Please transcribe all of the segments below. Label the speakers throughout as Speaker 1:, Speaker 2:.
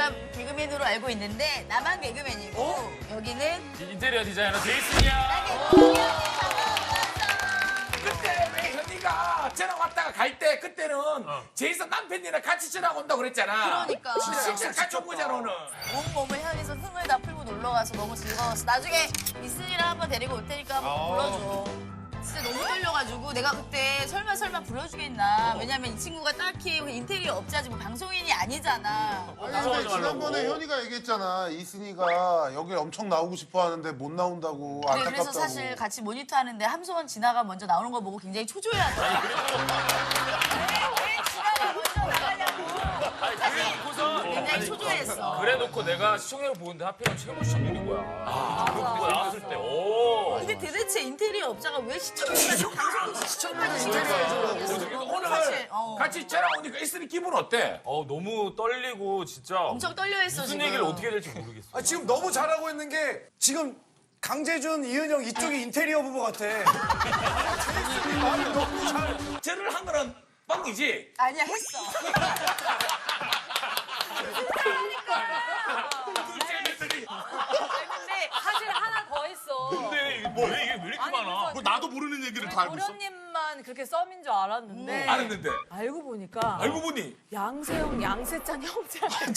Speaker 1: 내가 개그맨으로 알고 있는데 나만 개그맨이고 여기는
Speaker 2: 인테리어 디자이너 제이슨이야.
Speaker 3: 그때 왜 현이가 전화 왔다가 갈 때 그때는 제이슨 남편이랑 같이 전화 온다고 그랬잖아.
Speaker 1: 그러니까.
Speaker 3: 진짜 같이 온 거잖아 오늘.
Speaker 1: 온몸을 현에서 흥을 다 풀고 놀러 가서 너무 즐거웠어. 나중에 이슨이랑 한번 데리고 올 테니까 한번 불러줘. 진짜 너무 떨려가지고 내가 그때 설마 불러주겠나. 왜냐면 이 친구가 딱히 인테리어 업자지 뭐 방송인이 아니잖아.
Speaker 4: 아니 근데 지난번에 현이가 얘기했잖아. 이순이가 여기 엄청 나오고 싶어 하는데 못 나온다고
Speaker 1: 그래,
Speaker 4: 안타깝다고.
Speaker 1: 그래서 사실 같이 모니터 하는데 함소원 진아가 먼저 나오는 거 보고 굉장히 초조해하더라고. 왜 진아가 먼저 나가냐고.
Speaker 2: 그래놓고서
Speaker 1: 굉장히 초조했어.
Speaker 2: 그래놓고 내가 시청률 보는데 하필이면 최고 시청률인 거야. 그거 나왔을 때 오.
Speaker 1: 근데 도대체 인테리어 업자가 왜 시청률까지 방송국 시청까지 진짜를
Speaker 3: 오늘
Speaker 1: 사실,
Speaker 3: 같이 전화 오니까 이순이 기분 어때?
Speaker 2: 너무 떨리고 진짜
Speaker 1: 엄청 떨려했어
Speaker 2: 무슨
Speaker 1: 지금.
Speaker 2: 얘기를 어떻게 될지 모르겠어.
Speaker 5: 아, 지금 너무 잘하고 있는 게 지금 강재준, 이은영 이쪽이 인테리어 부부 같아.
Speaker 3: 말을 너무 잘. 전화를 한 거는 뻥이지?
Speaker 1: 아니야 했어.
Speaker 6: 근데 사실 하나 더 있어.
Speaker 2: 근데 이게 왜 이렇게 많아?
Speaker 6: 그래서
Speaker 4: 나도 모르는 얘기를 다 알고 있어.
Speaker 6: 도련님만 그렇게 썸인 줄 알았는데
Speaker 3: 알았는데.
Speaker 6: 알고 보니까
Speaker 3: 알고 보니.
Speaker 6: 양세형, 양세찬 형제한테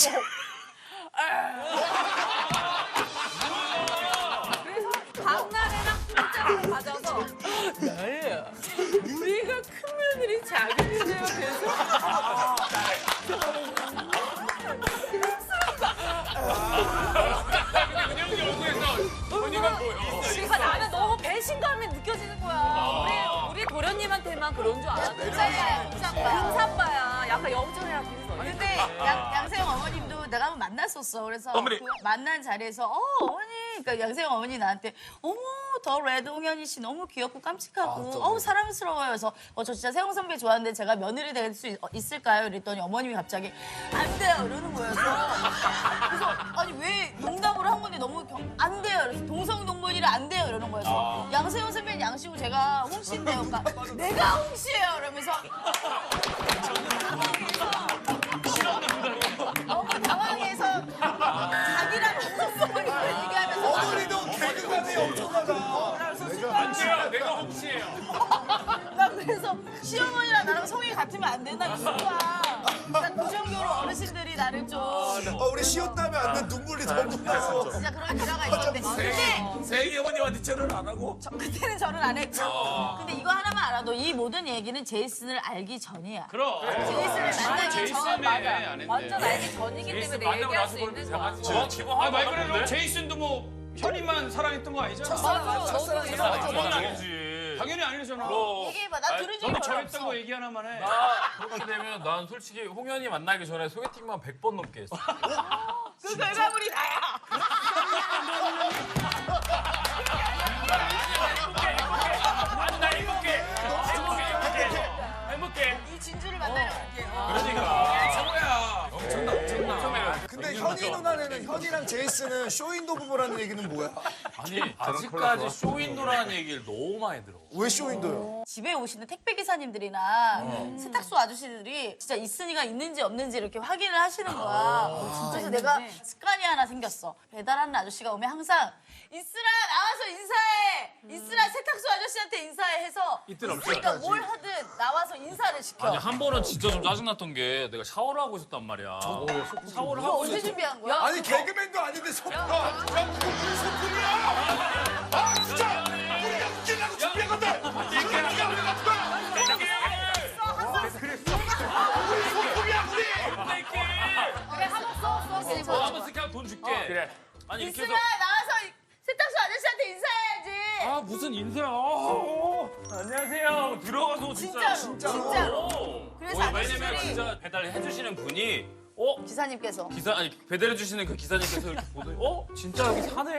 Speaker 6: 그래서 박나래랑 문자를 받아서 나야 우리가 큰 며느리 자격이래요. 그래서
Speaker 2: 그냥 얼굴에서 언니가 보여.
Speaker 6: 그러니까 나는 너무 배신감이 느껴지는 거야. 우리 도련님한테만 그런 줄 알았는데
Speaker 1: 금사빠야 금사빠.
Speaker 6: 금사빠야. 약간 영철이랑 비슷해.
Speaker 1: 근데 양세형 어머님도 내가 한번 만났었어. 그래서
Speaker 3: 어머니.
Speaker 1: 그 만난 자리에서 어머니, 그러니까 양세형 어머니 나한테 어머 더 레드 홍현희 씨 너무 귀엽고 깜찍하고 사랑스러워요. 그래서 저 진짜 세영 선배 좋아하는데 제가 며느리 될 수 있을까요? 이랬더니 어머님이 갑자기 안 돼요 이러는 거예요. 그래서 아니 왜 농담으로 한 건데 너무 안 돼요. 그래서 동성동본이라 안 돼요 이러는 거예요. 양세형 선배는 양씨고 제가 홍씨인데요. 그러니까 내가 홍씨예요. 이러면서 너무 당황해서 자기랑 동성동본이라고 얘기하면서
Speaker 5: 어머니도 개그감이 엄청나다.
Speaker 2: 안 돼요. 내가 혹시예요.
Speaker 1: 나 그래서 시어머니랑 나랑 성이 같으면 안 된다 그거야. 그 정도로 어르신들이 나를 좀
Speaker 5: 우리 시옷 다음에 앉는 눈물이 너무 나서.
Speaker 1: 진짜 그런 일화가 있었는데 근데
Speaker 3: 세희 어머님한테 전화를 안 하고.
Speaker 1: 그때는 저는 안 했죠. 근데 이거 하나만 알아도 이 모든 얘기는 제이슨을 알기 전이야.
Speaker 2: 그럼.
Speaker 1: 제이슨을 만나기 전.
Speaker 2: 맞아.
Speaker 6: 완전 알기 전이기 때문에 얘기할 수 있는 거야.
Speaker 2: 아, 말 그대로 제이슨도 뭐 현이만 사랑했던 거 아니잖아.
Speaker 6: 맞아. 너도
Speaker 2: 그건 아니지.
Speaker 7: 당연히 아니잖아.
Speaker 1: 얘기해봐. 나 들은 적이
Speaker 7: 너도
Speaker 1: 별로
Speaker 7: 저랬던
Speaker 1: 없어.
Speaker 7: 거 얘기 하나만 해.
Speaker 2: 그렇게 되면 난 솔직히 홍현이 만나기 전에 소개팅만 100번 넘게 했어.
Speaker 1: 그 결과물이 나야.
Speaker 2: 나 행복해. 행복해.
Speaker 1: 이 진주를 만나러 갈게요.
Speaker 2: 그러니까.
Speaker 3: 최고야. 엄청나.
Speaker 5: 근데 현이 누나네는 현이랑 제이슨은 쇼윈도 부부라는 얘기는 뭐야?
Speaker 2: 아니 아직까지 쇼윈도라는 얘기를 너무 많이 들어.
Speaker 5: 왜 쇼윈도요?
Speaker 1: 집에 오시는 택배 기사님들이나 세탁소 아저씨들이 진짜 이순이가 있는지 없는지 이렇게 확인을 하시는 거야. 그래서 내가 습관이 하나 생겼어. 배달하는 아저씨가 오면 항상 이슬아 나와서 인사해. 이슬아 세탁소 아저씨한테 인사해 해서 이슬이가 뭘 하든 나와서 인사를 시켜.
Speaker 2: 아니 한 번은 진짜 좀 짜증났던 게 내가 샤워를 하고 있었단 말이야. 샤워를
Speaker 1: 이거
Speaker 2: 하고
Speaker 1: 언제 준비한 거야?
Speaker 5: 아니 개그맨도 아닌데 소품.
Speaker 6: 그래 한번 써.
Speaker 2: 한번 쓰게 하면 돈 줄게. 그래. 아니 이렇게
Speaker 1: 이슬아
Speaker 2: 해서
Speaker 1: 나와서 세탁소 아저씨한테 인사해야지.
Speaker 2: 아 무슨 인사야. 안녕하세요. 들어가서
Speaker 1: 진짜로. 그래서
Speaker 2: 왜냐면
Speaker 1: 아저씨들이
Speaker 2: 진짜 배달해 주시는 분이
Speaker 1: 기사님께서
Speaker 2: 기사 아니 배달해 주시는 그 기사님께서 이렇게 보더니 진짜 여기 사네?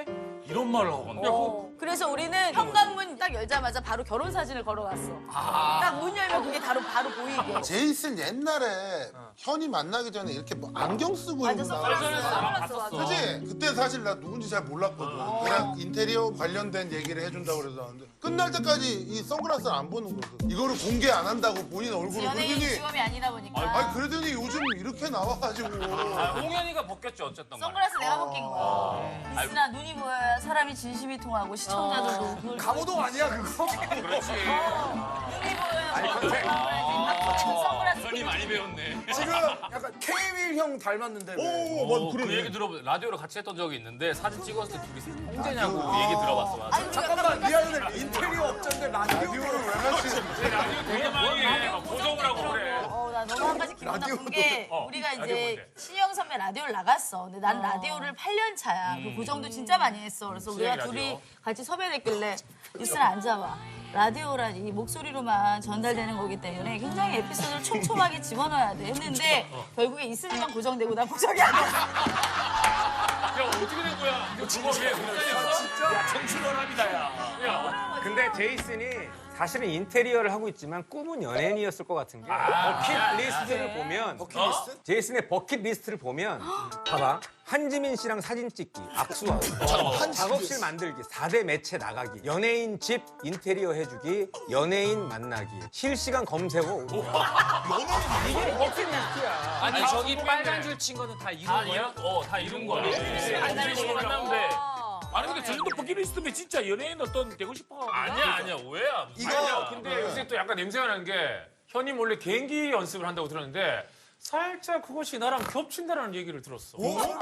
Speaker 2: 이런 말을 하고 간다.
Speaker 1: 그래서 우리는 현관문 딱 열자마자 바로 결혼 사진을 걸어놨어. 딱 문 열면 그게 바로 보이게.
Speaker 4: 제이슨 옛날에 현이 만나기 전에 이렇게 뭐 안경 쓰고
Speaker 1: 완전
Speaker 4: 이러고 나왔어.
Speaker 1: 선글라스 맞아.
Speaker 4: 그치? 그때 사실 나 누군지 잘 몰랐거든. 그냥 인테리어 관련된 얘기를 해준다고 그래서 나왔는데 끝날 때까지 이 선글라스를 안 보는 거거든. 이거를 공개 안 한다고 본인 얼굴을
Speaker 1: 연예인
Speaker 4: 그러더니
Speaker 1: 직업이 아니다 보니까.
Speaker 4: 아니 그러더니 요즘 이렇게 나와가지고
Speaker 2: 홍현이가 벗겼죠 어쨌든 간에.
Speaker 1: 선글라스 내가 벗긴 거야. 이슬아 눈이 보여야 사람이 진심이 통하고 시청자들도 그걸
Speaker 5: 강호동 아니야 그거?
Speaker 2: 그렇지.
Speaker 1: 눈이 보여야 선글라스
Speaker 2: 현이 많이 배웠네.
Speaker 5: 지금 약간 케이윌 형 닮았는데. 왜?
Speaker 2: 그 얘기 라디오로 같이 했던 적이 있는데 사진 찍었을 때 둘이 형제냐고 그 얘기 들어봤어. 맞아.
Speaker 1: 아니,
Speaker 5: 잠깐만 미안해 인테리어 업자인데 라디오를
Speaker 4: 왜 하시는
Speaker 2: 라디오 되게 많이 해. 막 고정을 하고 그래.
Speaker 1: 나 너무 한 가지 기분 나쁜 게 우리가
Speaker 2: 라디오
Speaker 1: 이제
Speaker 2: 뭔데?
Speaker 1: 신영 선배 라디오를 나갔어. 근데 난 라디오를 8년 차야. 그 고정도 진짜 많이 했어. 그래서 우리가
Speaker 2: 라디오.
Speaker 1: 둘이 같이 섭외됐길래 이슬아 앉아봐. 라디오란 이 목소리로만 전달되는 거기 때문에 굉장히 에피소드를 촘촘하게 집어넣어야 돼 했는데 결국에 이슬이만 고정되고 난 고정이 안 됐어.
Speaker 2: 야 어떻게 된 거야? 이거 그거 왜 진짜?
Speaker 3: 야 청춘원합니다 야.
Speaker 7: 근데 제이슨이 사실은 인테리어를 하고 있지만 꿈은 연예인이었을 것 같은 게 버킷리스트를 보면
Speaker 5: 버킷리스트?
Speaker 7: 제이슨의 버킷리스트를 보면 봐봐 한지민 씨랑 사진 찍기, 악수하고 작업실 만들기, 4대 매체 나가기, 연예인 집 인테리어 해주기, 연예인 만나기, 실시간 검색어 이게 버킷리스트야.
Speaker 2: 아니 저기 빨간 줄 친 거는 다 이룬 거야? 다 이룬 거야. 한지민 씨 만나면 돼.
Speaker 3: 아니 근데 저 정도 버킷리스트면 진짜 연예인 어떤 되고 싶어.
Speaker 2: 아니야 오해야.
Speaker 5: 이거
Speaker 8: 근데 요새 또 약간 냄새가 나는 게 현이 몰래 개인기 연습을 한다고 들었는데 살짝 그것이 나랑 겹친다라는 얘기를 들었어.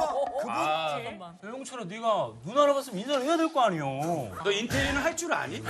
Speaker 9: 영철아, 네가 누나를 봤으면 인사를 해야 될 거 아니오. 너 인테리어는 할 줄 아니?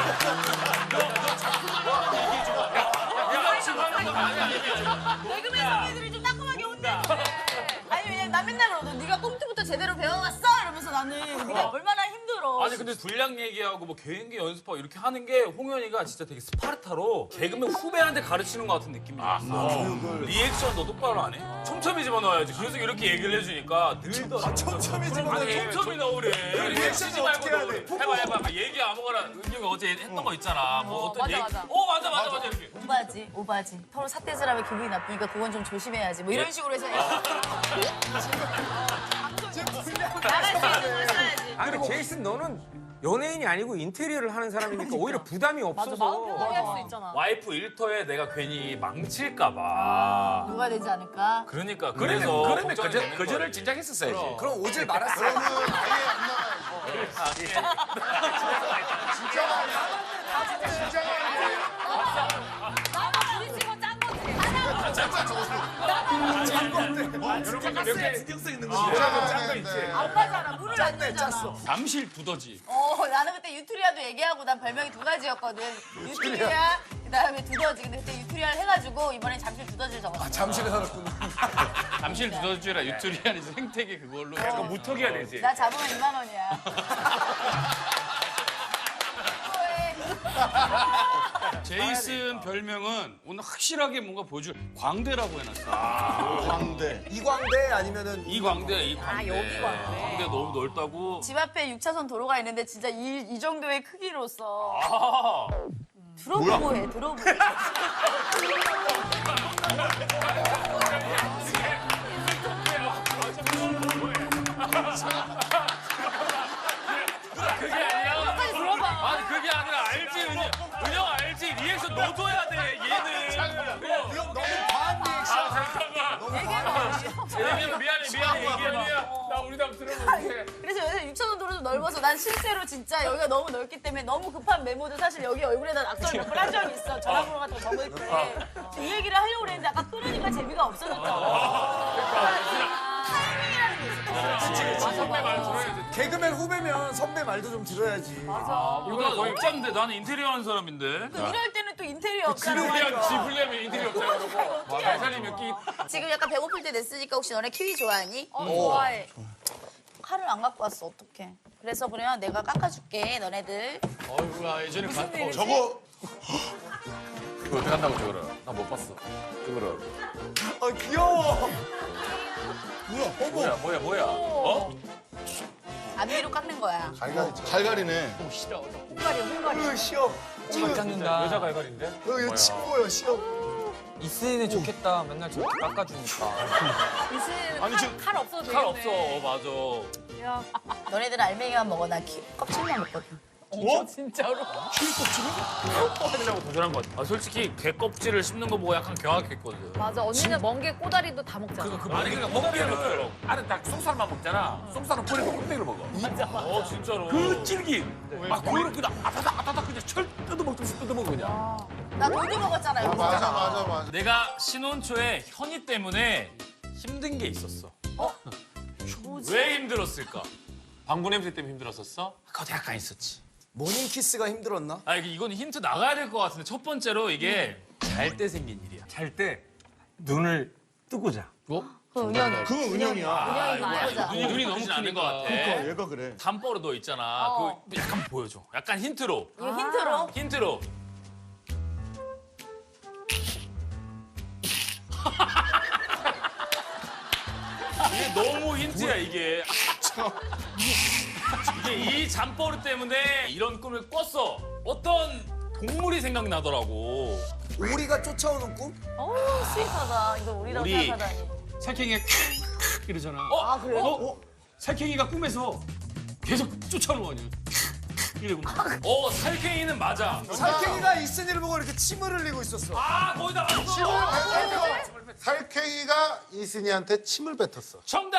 Speaker 1: 개그맨 선배들이 좀 따끔하게 온다. 아니 왜냐면 나 맨날 그러거든. 네가 꼼투부터 제대로 배워왔어? 이러면서 나는 네가 얼마나 힘들어.
Speaker 2: 아니 근데 분량 얘기하고 뭐 개인기 연습하고 이렇게 하는 게 홍현이가 진짜 되게 스파르타로 개그맨 후배한테 가르치는 것 같은 느낌이 있어. 리액션 너 똑바로 안 해? 촘촘히 집어넣어야지. 그래서 이렇게 얘기를 해주니까 늘더라.
Speaker 5: 촘촘히 집어넣어.
Speaker 2: 아니 촘촘히 넣으래.
Speaker 5: 리액션이
Speaker 2: 쓰지 말고
Speaker 5: 어떻게 해야
Speaker 2: 넣으래.
Speaker 5: 돼?
Speaker 2: 해봐. 막 얘기 아무거나 은경이 어제 했던 거 있잖아. 뭐 어떤
Speaker 6: 맞아,
Speaker 2: 얘기.
Speaker 6: 맞아.
Speaker 2: 맞아 이렇게.
Speaker 1: 오바지. 서로 삿대질 하면 기분이 나쁘니까 그건 좀 조심해야지. 뭐 이런 식으로 해서 나갈 수 있는 걸 써야지.
Speaker 7: 아니 근데 제이슨 너는 연예인이 아니고 인테리어를 하는 사람이니까 오히려 부담이
Speaker 6: 마음
Speaker 7: 없어서
Speaker 6: 편하게 할 수 있잖아.
Speaker 2: 와이프 일터에 내가 괜히 망칠까봐.
Speaker 1: 누가 되지 않을까?
Speaker 2: 그러니까 그래서
Speaker 3: 그러면
Speaker 2: 걱정이 되는
Speaker 3: 거절을
Speaker 2: 거지.
Speaker 3: 진작 했었어야지.
Speaker 5: 그럼 오질 말았어.
Speaker 4: 그러면 아예 안 나가야지. 진짜가 아니야. 진짜가 아니야.
Speaker 6: 나도 우리 집은 짠 거지.
Speaker 3: 여러분 몇개 신경 쓰 있는 거.
Speaker 4: 진짜가
Speaker 3: 짠거
Speaker 4: 아닌데.
Speaker 3: 있지.
Speaker 1: 아빠잖아. 물을 안 주잖아.
Speaker 2: 잠실 두더지.
Speaker 1: 나는 그때 유투리아도 얘기하고 난 별명이 두 가지였거든. 유투리아, 그다음에 두더지. 근데 그때 유투리아를 해가지고 이번엔 잠실 두더지를 적었어.
Speaker 5: 잠실에 살았구나.
Speaker 2: 잠실 두더지라 유투리안이 생태계 그걸로.
Speaker 8: 약간 무턱이야 되지.
Speaker 1: 나 잡으면 2만 원이야.
Speaker 9: 제이슨 별명은 오늘 확실하게 뭔가 보여줄 광대라고 해놨어.
Speaker 4: 광대.
Speaker 5: 이광대 아니면은
Speaker 2: 이광대.
Speaker 6: 여기 광대.
Speaker 2: 광대 너무 넓다고.
Speaker 1: 집 앞에 6차선 도로가 있는데 진짜 이 정도의 크기로서
Speaker 2: 아,
Speaker 1: 들어보고 해. 들어보고.
Speaker 2: 그게 아니라.
Speaker 1: 빨리 들어봐.
Speaker 2: 아니 그게 아니라 알지 은영 알지 리액션 넣어줘야 돼 얘는.
Speaker 5: 너무 과한 리액션.
Speaker 2: 얘기해봐 미안해 얘기해. 나 우리 다 들어볼게.
Speaker 1: 그래서 요새 6차선 도로 좀 넓어서 난 실제로 진짜 여기가 너무 넓기 때문에 너무 급한 메모도 사실 여기 얼굴에다 낙서를 몇 번 한 적이 있어. 전화번호 같은 거 적을 때. 이 얘기를 하려고 그랬는데 아까 끊으니까 재미가 없어졌다. 타이밍이라는 게 있어.
Speaker 2: 선배 말 들어야 돼.
Speaker 5: 개그맨 후배면 선배 말도 좀 들어야지.
Speaker 2: 이거 거의 업자인데 나는 인테리어 하는 사람인데.
Speaker 1: 이럴 때는 또 인테리어 없잖아.
Speaker 2: 지불려면 인테리어 업자 그러고. 대살이 몇 끼.
Speaker 1: 지금 약간 배고플 때 됐으니까 혹시 너네 키위 좋아하니?
Speaker 6: 좋아해.
Speaker 1: 칼을 안 갖고 왔어. 어떡해. 그래서 그러면 내가 깎아줄게. 너네들.
Speaker 2: 어이구야 예전에
Speaker 4: 저거
Speaker 3: 이거 어떻게 한다고 저거를? 나 못 봤어. 저거를.
Speaker 5: 귀여워.
Speaker 3: 뭐야? 어?
Speaker 1: 앞뒤로 깎는 거야.
Speaker 4: 갈갈이네.
Speaker 7: 잘 깎는다.
Speaker 8: 여자 갈갈인데?
Speaker 5: 이거 친구예요, 시험.
Speaker 7: 이슬이는 좋겠다. 맨날 저렇게 깎아주니까.
Speaker 6: 이슬 칼 없어도 되겠네.
Speaker 2: 칼 없어. 맞아.
Speaker 6: 야,
Speaker 1: 너네들은 알맹이만 먹어. 나 껍질만 먹거든.
Speaker 6: 진짜로?
Speaker 2: 하려고 도전한 것 같아. 솔직히 개 껍질을 씹는 거 보고 약간 경악했거든.
Speaker 6: 맞아, 언니는 멍게 꼬다리도 다 먹잖아.
Speaker 2: 아니 그러니까 먹기를
Speaker 3: 나는 딱 속살만 먹잖아. 속살은 버리고 껍데기를 먹어.
Speaker 2: 진짜로.
Speaker 3: 그 질기. 막 그거를 그냥 아타닥 그냥 철 뜯어먹듯이 뜯어먹어 그냥.
Speaker 1: 나 돌도 먹었잖아. 여기
Speaker 4: 맞아
Speaker 1: 있잖아.
Speaker 4: 맞아.
Speaker 2: 내가 신혼초에 현이 때문에 힘든 게 있었어. 왜 힘들었을까?
Speaker 8: 방구 냄새 때문에 힘들었었어?
Speaker 2: 그것도 약간 있었지.
Speaker 5: 모닝 키스가 힘들었나?
Speaker 2: 아 이건 힌트 나가야 될 것 같은데 첫 번째로 이게 잘 때 생긴 일이야.
Speaker 7: 잘 때 눈을 뜨고 자.
Speaker 1: 그건 은영이.
Speaker 4: 그건 은영이야.
Speaker 1: 은영이 보자.
Speaker 2: 눈이 너무 않은 것 같아.
Speaker 4: 얘가 그래.
Speaker 2: 담버릇 너 있잖아. 그거 약간 보여줘. 약간 힌트로.
Speaker 1: 이거 힌트로.
Speaker 2: 힌트로. 이게 너무 힌트야 이게. 이게 이 잠버릇 때문에 이런 꿈을 꿨어. 어떤 동물이 생각나더라고.
Speaker 5: 오리가 쫓아오는 꿈?
Speaker 1: 어우, 스윗하다. 이거 우리라고
Speaker 2: 우리.
Speaker 1: 생각하다니.
Speaker 9: 살쾡이가 이러잖아.
Speaker 1: 아, 그래요?
Speaker 9: 살쾡이가 꿈에서 계속 쫓아오는 거 아니야? 이러고.
Speaker 2: 살쾡이는 맞아.
Speaker 5: 살쾡이가 이슨이를 보고 이렇게 침을 흘리고 있었어.
Speaker 2: 아, 거의 다 맞았어.
Speaker 4: 살쾡이가 이순이한테 침을 뱉었어.
Speaker 2: 정답!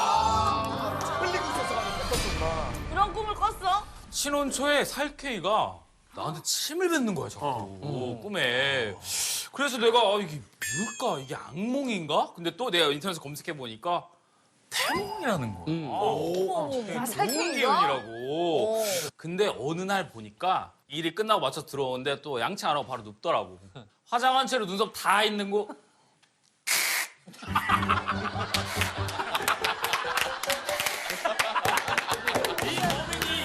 Speaker 1: 그런 꿈을 꿨어?
Speaker 2: 신혼초에 살쾡이가 나한테 침을 뱉는 거야, 자꾸. 꿈에. 그래서 내가 이게 뭘까? 이게 악몽인가? 근데 또 내가 인터넷에서 검색해보니까 태몽이라는 거야.
Speaker 1: 아,
Speaker 2: 좋은
Speaker 1: 살쾡이가?
Speaker 2: 기운이라고. 근데 어느 날 보니까 일이 끝나고 맞춰 들어오는데 또 양치 안 하고 바로 눕더라고. 화장한 채로 눈썹 다 있는 거. 이 범인이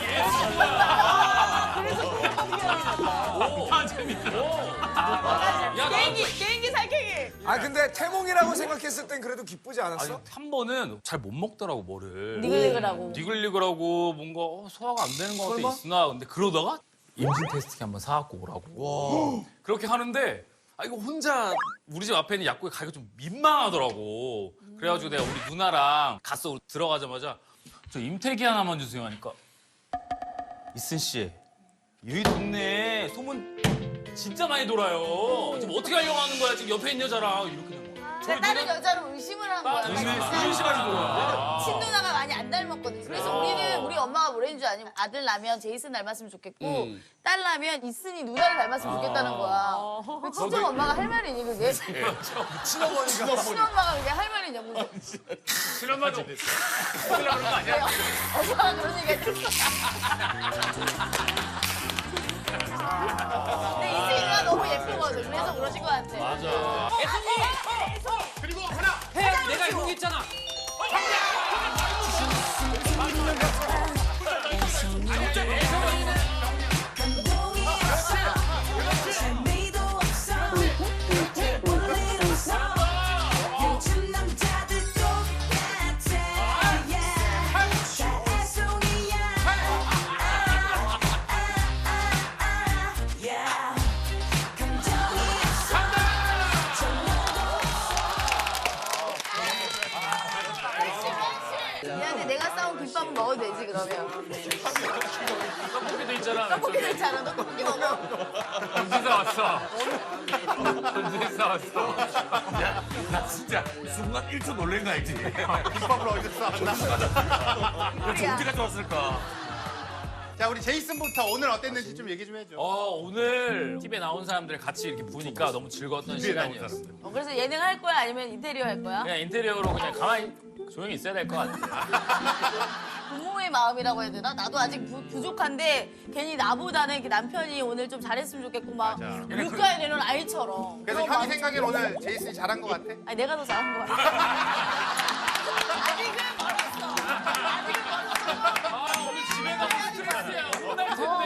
Speaker 2: 야,
Speaker 1: 개인기 살쾡이.
Speaker 5: 아 근데 태몽이라고 생각했을 땐 그래도 기쁘지 않았어?
Speaker 2: 한 번은 잘 못 먹더라고 뭐를.
Speaker 1: 니글니글하고.
Speaker 2: 니글니글하고 뭔가 소화가 안 되는 것 같아 있으나 근데 그러다가 임신 테스트기 한번 사갖고 오라고. 그렇게 하는데 이거 혼자 우리 집 앞에 있는 약국에 가기가 좀 민망하더라고. 그래가지고 내가 우리 누나랑 갔어. 들어가자마자 저 임태기 하나만 주세요 하니까 이슨 씨 여기 동네에 소문 진짜 많이 돌아요. 지금 어떻게 하려고 하는 거야? 지금 옆에 있는 여자랑 이렇게 된 거야.
Speaker 1: 근데 다른 여자로 의심을 한 거야.
Speaker 2: 의심까지 들어와.
Speaker 1: 친누나가 많이 안 닮았거든. 그래서 우리 엄마가 뭐랬는 줄 아니? 아들 나면 제이슨 닮았으면 좋겠고 딸 나면 이슨이 누나를 닮았으면 좋겠다는 거야. 그 친정 엄마가 할 말이니 그게?
Speaker 5: 친어머니가.
Speaker 1: 친엄마가 그게 할 말이냐고.
Speaker 2: 친엄마도 그러는 거 아니야?
Speaker 1: 엄마가 그런 얘기 했어. 근데 이승이가 너무 예쁘거든. 그래서 그러신 것 같아.
Speaker 2: 맞아.
Speaker 9: 그리고 하나.
Speaker 7: 내가 이거 했잖아.
Speaker 1: 미안해, 내가 싸운 김밥은 먹어도 되지 그러면.
Speaker 2: 떡볶이도 있잖아.
Speaker 1: 떡볶이 괜찮아. 너 떡볶이 먹어.
Speaker 2: 언제 왔어? 언제 왔어?
Speaker 3: 나 진짜 순간 1초 놀란 거 알지?
Speaker 4: 김밥을 어디서 싸왔나?
Speaker 3: 언제가 좋았을까?
Speaker 10: 자, 우리 제이슨부터 오늘 어땠는지 좀 얘기 좀 해줘.
Speaker 2: 오늘 TV에 나온 사람들 같이 이렇게 보니까 너무 즐거웠던 시간이었어.
Speaker 1: 그래서 예능 할 거야 아니면 인테리어 할 거야?
Speaker 2: 그냥 인테리어로 그냥 가만히 조용히 있어야 될 것 같아.
Speaker 1: 부모의 마음이라고 해야 되나? 나도 아직 부족한데 괜히 나보다는 이렇게 남편이 오늘 좀 잘했으면 좋겠고 막 물가에 내놓은 아이처럼.
Speaker 10: 그래서
Speaker 1: 그런
Speaker 10: 현이
Speaker 1: 마음이
Speaker 10: 생각엔
Speaker 1: 좀-
Speaker 10: 오늘 제이슨이 잘한 것 같아?
Speaker 1: 아니 내가 더 잘한 거 같아. 아직은 멀었어. 아직은 멀었어.
Speaker 2: 오늘 집에 가서 스트레스야. 혼날 텐데.